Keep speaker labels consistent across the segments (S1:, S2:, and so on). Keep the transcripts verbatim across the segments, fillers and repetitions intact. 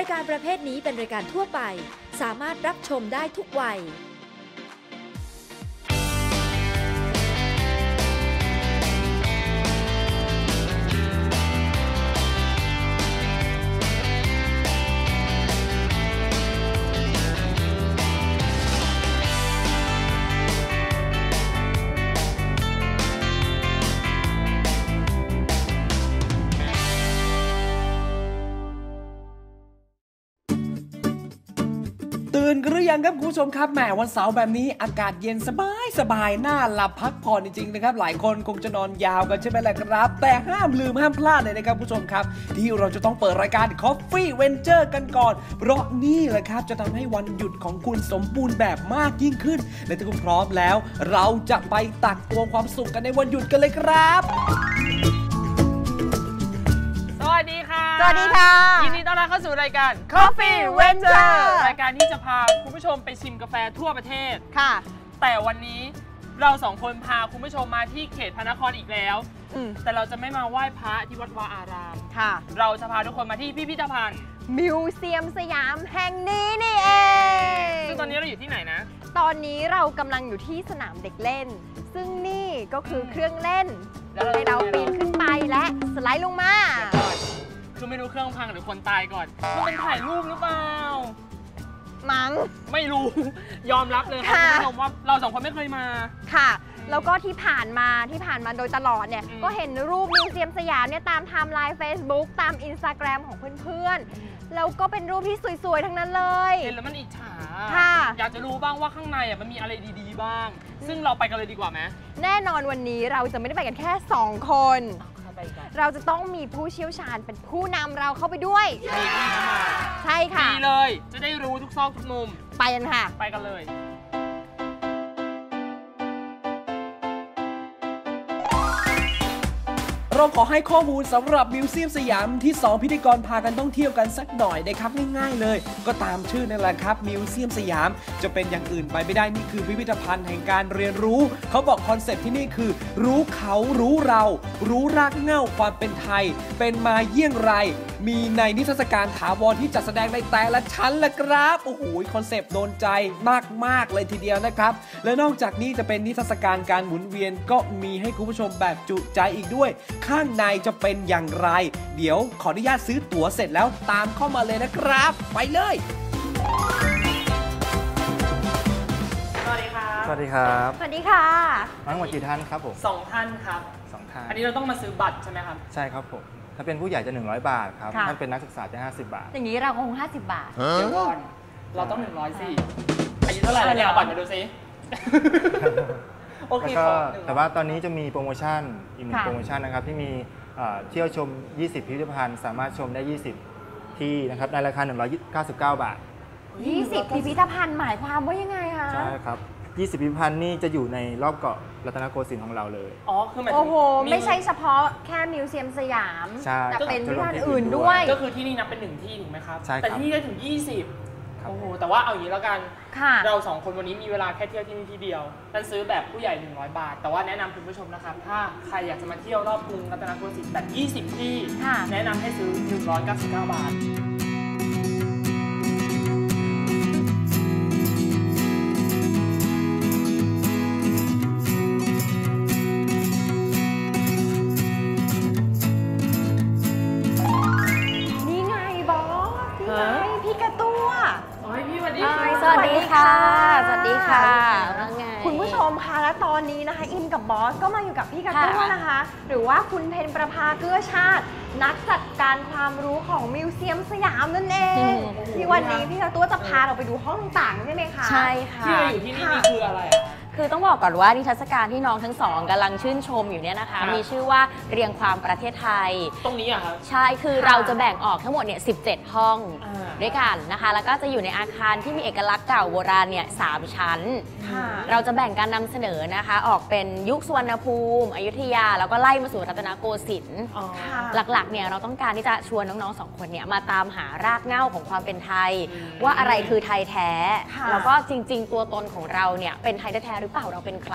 S1: ายการประเภทนี้เป็นรายการทั่วไปสามารถรับชมได้ทุกวัย
S2: ตื่นกันหรือยังครับคุณผู้ชมครับแหมวันเสาร์แบบนี้อากาศเย็นสบายสบายน่าหลับพักผ่อนจริงๆนะครับหลายคนคงจะนอนยาวกันใช่ไหมล่ะครับแต่ห้ามลืมห้ามพลาดเลยนะครับคุณผู้ชมครับที่เราจะต้องเปิดรายการ Coffee Venture กันก่อนเพราะนี่แหละครับจะทำให้วันหยุดของคุณสมบูรณ์แบบมากยิ่งขึ้นและถ้าคุณพร้อมแล้วเราจะไปตักตวงความสุขกันในวันหยุดกันเลยครับ
S3: สวัสดีค่ะ
S4: สวัสดีค่ะ
S3: ยินดีต้อนรับเข้าสู่รายการ
S4: Coffee Venture
S3: รายการที่จะพาคุณผู้ชมไปชิมกาแฟทั่วประเทศ
S4: ค่ะ
S3: แต่วันนี้เราสองคนพาคุณผู้ชมมาที่เขตพระนครอีกแล้วแต่เราจะไม่มาไหว้พระที่วัดวาอาราม
S4: ค่ะ
S3: เราจะพาทุกคนมาที่พิพิธภัณฑ์
S4: มิวเซียมสยามแห่งนี้นี่เอง
S3: ซึ่งตอนนี้เราอยู่ที่ไหนนะ
S4: ตอนนี้เรากำลังอยู่ที่สนามเด็กเล่นซึ่งนี่ก็คือเครื่องเล่นให้เราปีนขึ้นไปและสไลด์ลงมา
S3: คือไม่รู้เครื่องพังหรือคนตายก่อนมันเป็นถ่ายรูปหรือเปล่า
S4: มั้ง
S3: ไม่รู้ยอมรับเลยค่ะคุณผู้ชมว่าเราสองคนไม่เคยมา
S4: ค่ะแล้วก็ที่ผ่านมาที่ผ่านมาโดยตลอดเนี่ยก็เห็นรูปมิวเซียมสยามเนี่ยตามไทม์ไลน์ Facebook ตาม Instagram ของเพื่อนๆแล้วก็เป็นรูปที่สวยๆทั้งนั้นเลย
S3: เห็นแล้วมันอิจฉา
S4: ค่ะ
S3: อยากจะรู้บ้างว่าข้างในอ่ะมันมีอะไรดีๆบ้างซึ่งเราไปกันเลยดีกว่าไหม
S4: แน่นอนวันนี้เราจะไม่ได้ไปกันแค่สองคนเราจะต้องมีผู้เชี่ยวชาญเป็นผู้นำเราเข้าไปด้วยใช่ค่ะ
S3: ดีเลยจะได้รู้ทุกซอกทุกมุม
S4: ไปกันค่ะ
S3: ไปกันเลย
S2: เราขอให้ข้อมูลสำหรับมิวเซียมสยามที่สองพิธีกรพากันต้องเที่ยวกันสักหน่อยนะครับง่ายๆเลยก็ตามชื่อนั่นแหละครับมิวเซียมสยามจะเป็นอย่างอื่นไปไม่ได้นี่คือพิพิธภัณฑ์แห่งการเรียนรู้เขาบอกคอนเซ็ปต์ที่นี่คือรู้เขารู้เรารู้รากเหง้าความเป็นไทยเป็นมาเยี่ยงไรมีในนิทรรศการถาวรที่จัดแสดงในแต่ละชั้นละครับโอ้โหคอนเซปต์โดนใจมากๆเลยทีเดียวนะครับและนอกจากนี้จะเป็นนิทรรศการการหมุนเวียนก็มีให้คุณผู้ชมแบบจุใจอีกด้วยข้างในจะเป็นอย่างไรเดี๋ยวขออนุญาตซื้อตั๋วเสร็จแล้วตามเข้ามาเลยนะครับไปเลย
S3: สวัสดีครับ
S5: สวัสดีครับ
S4: สวัสดีค่ะ
S5: ทั้งหมดกี่ท่านครับผม
S3: สองท่านครับ
S5: สองท่าน
S3: อันนี้เราต้องมาซื้อบัตรใช่ไหมครับ
S5: ใช่ครับผมถ้าเป็นผู้ใหญ่จะหนึ่งร้อยบาทครับถ้าเป็นนักศึกษาจะห้าสิบบาท
S4: อย่างนี้เราคงห้าสิบบาท
S3: เดี๋ยวก่อนเราต้องหนึ่งร้อยสิอายุเท่าไหร่แล้วเนี่ยเอาบัตรมาดูซิโอเค
S5: แต่ว่าตอนนี้จะมีโปรโมชั่นอีกหนึ่งโปรโมชั่นนะครับที่มีเที่ยวชมยี่สิบพิพิธภัณฑ์สามารถชมได้ยี่สิบที่นะครับในราคาหนึ่งร้อยเก้าสิบเก้าบาท
S4: ยี่สิบพิพิธภัณฑ์หมายความว่ายังไงคะ
S5: ใช่ครับยี่สิบพิพิธภัณฑ์นี่จะอยู่ในรอบเกาะรัตนโกสินทร์ของเราเลย
S3: อ๋อคือหมายถึง
S4: โอ้โหไม่ใช่เฉพาะแค่มิวเซียมสยามแต่เป็นพิพิธภัณฑ์อื่นด้วย
S3: ก็คือที่นี่นับเป็นหนึ่งที่ถูกไหมครับ
S5: ใช่
S3: แต่ที่นี่ได้ถึงยี่สิบโอ้โหแต่ว่าเอาอย่างนี้แล้วกันเราสองคนวันนี้มีเวลาแค่เที่ยวที่นี่ที่เดียวนั่นซื้อแบบผู้ใหญ่หนึ่งร้อยบาทแต่ว่าแนะนำคุณผู้ชมนะครับถ้าใครอยากจะมาเที่ยวรอบกรุงรัตนโกสินทร์แบบยี่สิบที่แนะนำให้ซื้อหนึ่งร้อยเก้าสิบเก้าบาท
S4: สวัสดีค่ะสวัสดีค่ะคุณผู้ชมคะและตอนนี้นะคะอิมกับบอสก็มาอยู่กับพี่กระตั้วนะคะหรือว่าคุณเพนประภาเกื้อชาตินักจัดการความรู้ของมิวเซียมสยามนั่นเองที่วันนี้พี่กระตั้วจะพาเราไปดูห้องต่างๆใช่ไหมคะ
S6: ใช่ค่ะ
S3: ที่เราอยู่ที่นี่คืออะไร
S6: คือต้องบอกก่อนว่านิทรรศการที่น้องทั้งสองกำลังชื่นชมอยู่เนี่ยนะคะมีชื่อว่าเรียงความประเทศไทย
S3: ตรงนี้อะครับ
S6: ใช่คือเราจะแบ่งออกทั้งหมดเนี่ยสิบเจ็ดห้องด้วยกันนะคะแล้วก็จะอยู่ในอาคารที่มีเอกลักษณ์เก่าโบราณเนี่ยสามชั้นเราจะแบ่งการนำเสนอนะคะออกเป็นยุคสุวรรณภูมิอยุธยาแล้วก็ไล่มาสู่รัตนโกสินทร์หลักๆเนี่ยเราต้องการที่จะชวนน้องๆสองคนเนี่ยมาตามหารากเหง้าของความเป็นไทยว่าอะไรคือไทยแท้แล้วก็จริงๆตัวตนของเราเนี่ยเป็นไทยแท้หรือเปล่าเราเป็นใคร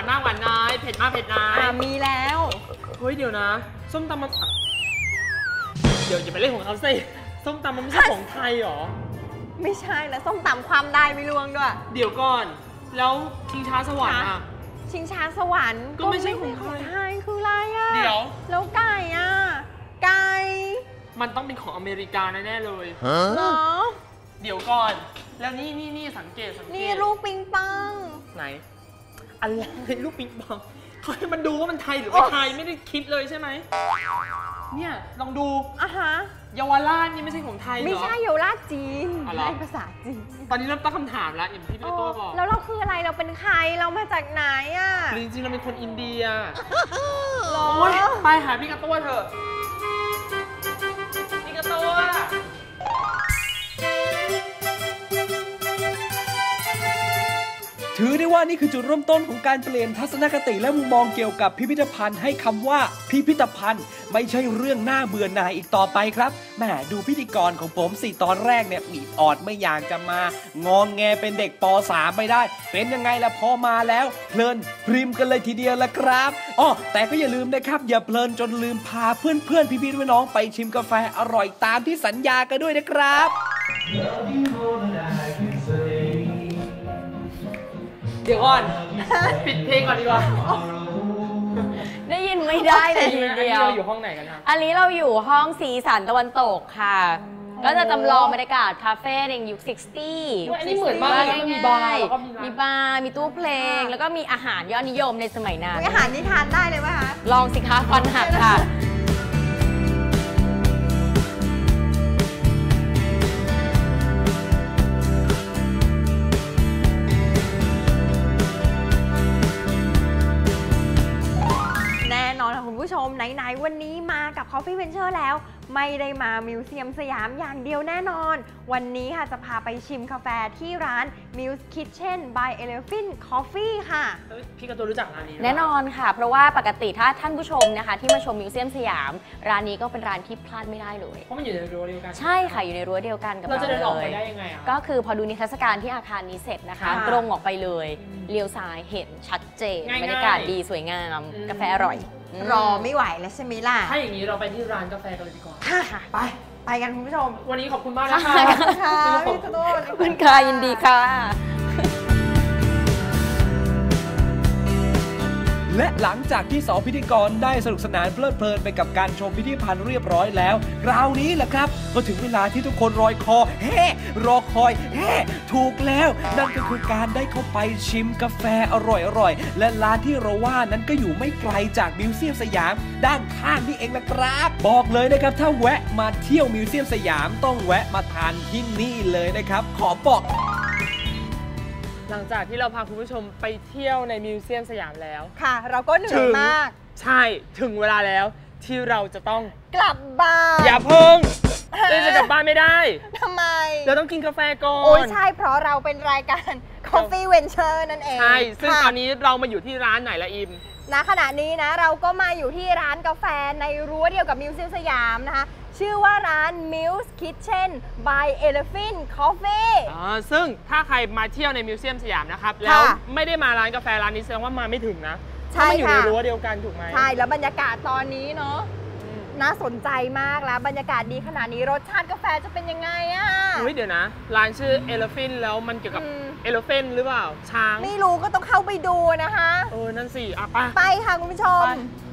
S3: มากหวานน้อยเผ็ดมากเผ็ดน้อย
S4: อ่ามีแล้ว
S3: เฮ้ยเดี๋ยวนะส้มตำมันเดี๋ยวอย่าไปเล่นของเขาสิส้มตำมันไม่ใช่ของไทยหรอ
S4: ไม่ใช่แล้วส้มตำความได้ไม่ลวงด้วย
S3: เดี๋ยวก่อนแล้วชิงช้าสวรรค์อ่ะ
S4: ชิงช้าสวรรค์
S3: ก็ไม่ใช่ของ
S4: ไทยคืออะไรอ่ะ
S3: เดี๋ยว
S4: แล้วไก่อ่ะไก่
S3: มันต้องเป็นของอเมริกาแน่ๆเลย
S4: เหรอ
S3: เดี๋ยวก่อนแล้วนี่นี่นี่สังเกตสังเกต
S4: นี่ลูกปิงปอง
S3: ไหนอะไรลูกปิงปองเขาให้มันดูว่ามันไทยหรือไม่ไทยไม่ได้คิดเลยใช่ไหมเนี่ยลองดู
S4: อ่ะฮะ
S3: เยาวราชนี่ไม่ใช่ของไทยหรอ
S4: ไม่ใช่เยาวราชจีนในภาษาจีน
S3: ตอนนี้เริ่มตั้งคำถามแล้วอย่างที่พี่โต้บอก
S4: แล้วเราคืออะไรเราเป็นใครเรามาจากไหนอ่ะ
S3: จริงๆเราเป็นคนอินเดีย
S4: หรอ
S3: ไปหาพี่กระตั้วเถอะพี่กระตั้ว
S2: ถือได้ว่านี่คือจุดเริ่มต้นของการเปลี่ยนทัศนคติและมุมมองเกี่ยวกับพิพิธภัณฑ์ให้คำว่าพิพิธภัณฑ์ไม่ใช่เรื่องน่าเบื่อหน่ายอีกต่อไปครับแหมดูพิธีกรของผมสี่ตอนแรกเนี่ยมีออดไม่อยากจะมางองแงเป็นเด็กป .สาม ไม่ได้เป็นยังไงล่ะพอมาแล้วเพลินพริมกันเลยทีเดียวละครับอ๋อแต่ก็อย่าลืมนะครับอย่าเพลินจนลืมพาเพื่อนเพื่อนพี่พี่น้องไปชิมกาแฟอร่อยตามที่สัญญากันด้วยนะครับ
S3: เดี๋ยวก่อนปิดเพลงก่อนดีกว่า
S6: ได้ยินไม่ได้เลยทีเดียว
S3: เราอยู่ห้องไหนกันครับ
S6: อันนี้เราอยู่ห้องสีสันตะวันตกค่ะก็จะจำลองบรรยากาศคาเฟ่ในยุค หกสิบ
S3: อันนี้เหมือนมากเลยมีบาร์
S6: มีบาร์มีตู้เพลงแล้วก็มีอาหารยอดนิยมในสมัยนั้น
S4: อาหารนี่ทานได้เลยไหมคะ
S6: ลองสิคะฟันหักค่ะ
S4: คุณผู้ชมไหนๆวันนี้มากับ Coffee Venture แล้วไม่ได้มามิวเซียมสยามอย่างเดียวแน่นอนวันนี้ค่ะจะพาไปชิมกาแฟที่ร้าน Muse Kitchen by Elephant Coffee ค่ะ
S3: พี่กระตูรู้จักร้านนี้
S6: แน่นอนค่ะเพราะว่าปกติถ้าท่านผู้ชมนะคะที่มาชมมิวเซียมสยามร้านนี้ก็เป็นร้านที่พลาดไม่ได้เลย
S3: เพราะมันอยู่ในรั้วเดียวกัน
S6: ใช่ค่ะอยู่ในรั้วเดียวกันกับเรา
S3: เราจะเดินออกไปได้ยังไงอ่ะ
S6: ก็คือพอดูนิทรรศการที่อาคารนี้เสร็จนะคะตรงออกไปเลยเลี้ยวซ้ายเห็นชัดเจนบรรยากาศดีสวยงามกาแฟอร่อย
S4: รอไม่ไหวแล้วใช่ไหมล่ะ
S3: ถ้าอย่างนี้เราไปที่ร้านกาแฟกันเลยดีกว่า
S4: ค่ะไปไปกันคุณผู้ชม
S3: วันนี้ขอบคุณมากนะคะ
S4: ค่ะพี่กระโดด
S6: ขอบคุณค่ะยินดีค่ะ
S2: และหลังจากที่สองพิธีกรได้สนุกสนานเพลิดเพลินไปกับการชมพิพิธภัณฑ์เรียบร้อยแล้วคราวนี้แหละครับก็ถึงเวลาที่ทุกคนรอยคอแฮ่รอคอยแฮ่ถูกแล้วนั่นก็คือการได้เข้าไปชิมกาแฟอร่อยๆและร้านที่เราว่านั้นก็อยู่ไม่ไกลจากมิวเซียมสยามด้านข้างนี่เองละครับบอกเลยนะครับถ้าแวะมาเที่ยวมิวเซียมสยามต้องแวะมาทานที่นี่เลยนะครับขอบอก
S3: หลังจากที่เราพาคุณผู้ชมไปเที่ยวในมิวเซียมสยามแล้ว
S4: ค่ะเราก็เหนื่อยมาก
S3: ใช่ถึงเวลาแล้วที่เราจะต้อง
S4: กลับบ้าน
S3: อย่าเพิ่งเราจะกลับบ้านไม่ได้
S4: ทำไม
S3: เราต้องกินกาแฟก่อน
S4: โอ้ยใช่เพราะเราเป็นรายการ Coffee Venture นั่นเอง
S3: ใช่ซึ่งตอนนี้เรามาอยู่ที่ร้านไหนละอิม
S4: ณขณะนี้นะเราก็มาอยู่ที่ร้านกาแฟในรั้วเดียวกับมิวเซียมสยามนะคะชื่อว่าร้าน Muse Kitchen by Elephant Coffee
S3: อ่าซึ่งถ้าใครมาเที่ยวในมิวเซียมสยามนะครับแล้วไม่ได้มาร้านกาแฟร้านนี้แสดงว่ามาไม่ถึงนะ
S4: ใช่ค่ะ
S3: อยู่ในรั้วเดียวกันถูกไหม
S4: ใช่แล้วบรรยากาศตอนนี้เนาะน่าสนใจมากแล้วบรรยากาศดีขนาดนี้รสชาติกาแฟจะเป็นยังไงอ่ะ
S3: เฮ้ยเดี๋ยวนะร้านชื่อ Elephant แล้วมันเกี่ยวกับ Elephant หรือเปล่าช้าง
S4: ไม่รู้ก็ต้องเข้าไปดูนะคะ
S3: เออนั่นสิอ่ะไป
S4: ไปค่ะคุณผู้ชม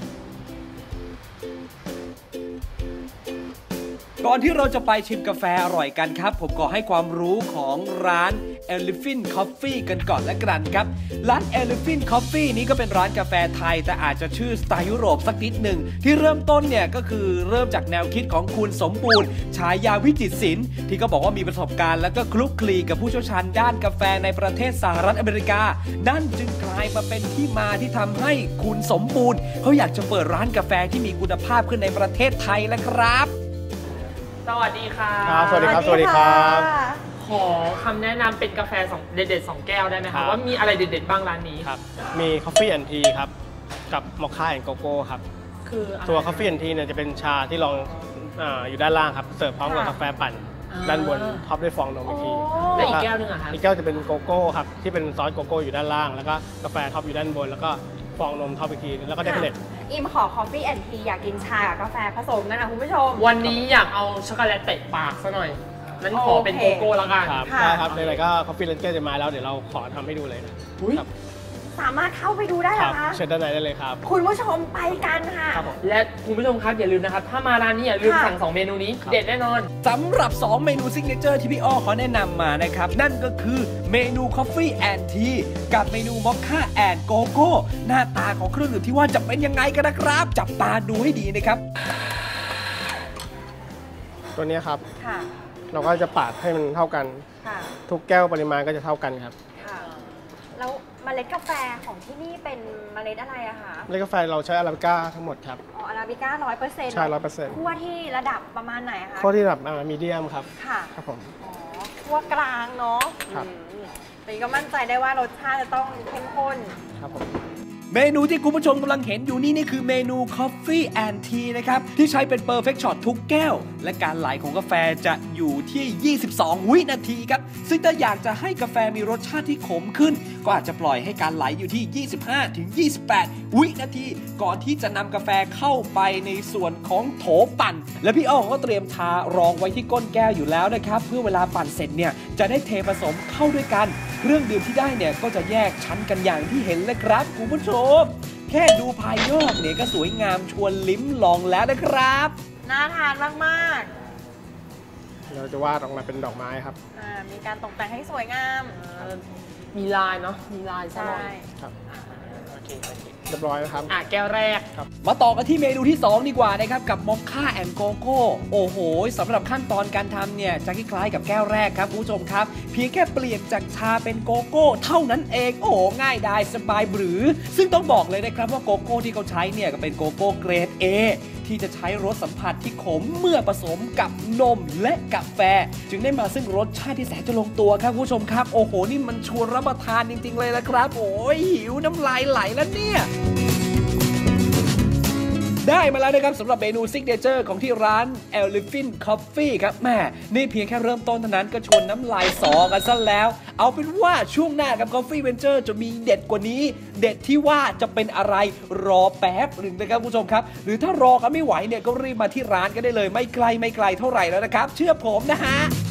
S2: ก่อนที่เราจะไปชิมกาแฟอร่อยกันครับผมขอให้ความรู้ของร้าน Elephant Coffee กันก่อนละกันครับร้าน Elephant Coffee นี้ก็เป็นร้านกาแฟไทยแต่อาจจะชื่อสไตล์ยุโรปสักนิดหนึ่งที่เริ่มต้นเนี่ยก็คือเริ่มจากแนวคิดของคุณสมบูรณ์ฉายาวิจิตรศิลป์ที่ก็บอกว่ามีประสบการณ์แล้วก็คลุกคลีกับผู้เชี่ยวชาญด้านกาแฟในประเทศสหรัฐอเมริกานั่นจึงกลายมาเป็นที่มาที่ทำให้คุณสมบูรณ์เขาอยากจะเปิดร้านกาแฟที่มีคุณภาพขึ้นในประเทศไทยแล้วครับ
S3: สวัสดีค่ะ
S5: สวัสดีครับสวัสดีครับ
S3: ขอคำแนะนำเป็นกาแฟสองเด็ดๆสองแก้วได้ไหมครับว่ามีอะไรเด็ดๆบ้างร้านนี้
S7: ครับมี Coffee and Tea ครับกับมอคค่าแอนด์โกโก้ครับคือตัว Coffee and Tea เนี่ยจะเป็นชาที่ลอง อ, อยู่ด้านล่างครับเสิร์ฟพร้อมกับกาแฟปั่นด้านบนท็อปด้วยฟองนมอีกที
S3: และอีกแก้วนึงอะครับ
S7: อีกแก้วจะเป็นโกโก้ครับที่เป็นซอสโกโก้อยู่ด้านล่างแล้วก็กาแฟท็อปอยู่ด้านบนแล้วก็ฟองนมท็อปอีกทีแล้วก็ได้เมล็ด
S4: อิมขอ Coffee and Tea อยากกินชากับกาแฟผสมกันนะคุณผู้ชม
S3: วันนี้อยากเอาช็อกโกแลตเตะปากซะหน่อยนั้นขอเป็นโกโก้แล้วกัน
S7: ครับ
S4: ค่ะ
S7: ได้ครับในไหนๆก็ Coffee Ranger จะมาแล้วเดี๋ยวเราขอทำให้ดูเลยนะ
S3: อุ๊ย
S7: ครับ
S4: สามารถเข้าไปดูได้เห
S7: ค
S4: ร
S7: รั
S4: อบ คะ
S7: เชิญด้านในได้เลยครับ
S4: คุณผู้ชมไปกันค่ะ
S7: ครับผม
S3: และคุณผู้ชมครับอย่าลืมนะครับ ถ้ามาร้านนี้อย่าลืม
S4: ค่ะ
S3: สั่งสองเมนูนี้
S7: ครับ
S3: เด็ดแน่นอน
S2: สำหรับ สอง เมนูซิกเนเจอร์ที่พี่อ้อเขาแนะนำมานะครับ นั่นก็คือเมนู Coffee and Tea กับเมนู Mocha and Coco หน้าตาของเครื่องดื่มที่ว่าจะเป็นยังไงกันนะครับ จับตาดูให้ดีนะครับ
S7: ตัวนี้ครับ
S4: ค่ะ
S7: เราก็จะปาดให้มันเท่ากัน
S4: ค่ะ
S7: ทุกแก้วปริมาณก็จะเท่ากันครับ
S4: ค่ะ แล้วเมล็ดกาแฟของที่นี่เป็นเมล็ดอะไรอะคะ
S7: เมล็ดกาแฟเราใช้อาราบิก้าทั้งหมดครับ
S4: อ๋ออาราบิก้าร้อยเปอร์เซ็นต์
S7: ใช่ร้อยเปอร์เซ็นต์
S4: คั่วที่ระดับประมาณไหนอะคะ
S7: ข้อที่ระดับมีเดียมครับ
S4: ค่ะ
S7: ครับผม
S4: อ๋อคั่วกลางเนาะ
S7: ครับ
S4: อืมแต่ก็มั่นใจได้ว่ารสชาติจะต้องเข้มข้น
S7: ครับผม
S2: เมนูที่คุณผู้ชมกำลังเห็นอยู่นี่นี่คือเมนู Coffee and Tea นะครับ ที่ใช้เป็น Perfect Shot ทุกแก้ว และการไหลของกาแฟจะอยู่ที่ ยี่สิบสอง วินาทีครับ ซึ่งถ้าอยากจะให้กาแฟมีรสชาติที่ขมขึ้น ก็อาจจะปล่อยให้การไหลอยู่ที่ ยี่สิบห้าถึงยี่สิบแปด วินาที ก่อนที่จะนำกาแฟเข้าไปในส่วนของโถปั่น และพี่อ้อก็เตรียมทารองไว้ที่ก้นแก้วอยู่แล้วนะครับ เพื่อเวลาปั่นเสร็จเนี่ยจะได้เทผสมเข้าด้วยกัน เครื่องดื่มที่ได้เนี่ยก็จะแยกชั้นกันอย่างที่เห็นเลยครับคุณผู้ชม แค่ดูภายนอกเนี่ยก็สวยงามชวนลิ้มลองแล้วนะครับ
S4: น่าทานมาก
S7: เราจะวาดออกมาเป็นดอกไม้ครับ
S4: ๆอ่ามีการตกแต่งให้สวยงาม
S3: มีลายเนาะมีลายซะหน่อย
S7: ครับ
S3: โอเคโอเค
S7: เรียบร้อยนะครับ
S3: อ่ะแก้วแรก
S2: มาต่อกันที่เมนูที่ สอง ดีกว่านะครับ กับมอคค่าแอนด์โกโก้โอ้โหสำหรับขั้นตอนการทำเนี่ยจะคล้ายๆกับแก้วแรกครับคุณผู้ชมครับ เพียงแค่เปลี่ยนจากชาเป็นโกโก้เท่านั้นเอง โอ้โหง่ายดายสบายหรือ ซึ่งต้องบอกเลยนะครับว่าโกโก้ที่เขาใช้เนี่ยก็เป็นโกโก้เกรด A ที่จะใช้รสสัมผัสที่ขมเมื่อผสมกับนมและกาแฟ จึงได้มาซึ่งรสชาติที่แสนจะลงตัวครับคุณผู้ชมครับโอ้โหนี่มันชวนรับประทานจริงๆเลยนะครับโอ้ยหิวน้ำลายไหลแล้วเนี่ย ได้มาแล้วนะครับสำหรับเมนูซิกเนเจอร์ของที่ร้าน Elephant Coffee ครับแม่นี่เพียงแค่เริ่มต้นเท่านั้นก็ชวนน้ำลายสอกันซะแล้ว เอาเป็นว่าช่วงหน้ากับ Coffee Venture จะมีเด็ดกว่านี้ เด็ดที่ว่าจะเป็นอะไรรอแป๊บหนึ่งนะครับคุณผู้ชมครับ หรือถ้ารอกันไม่ไหวเนี่ยก็รีบมาที่ร้านกันได้เลยไม่ไกลไม่ไกลเท่าไหร่แล้วนะครับ เชื่อผมนะฮะ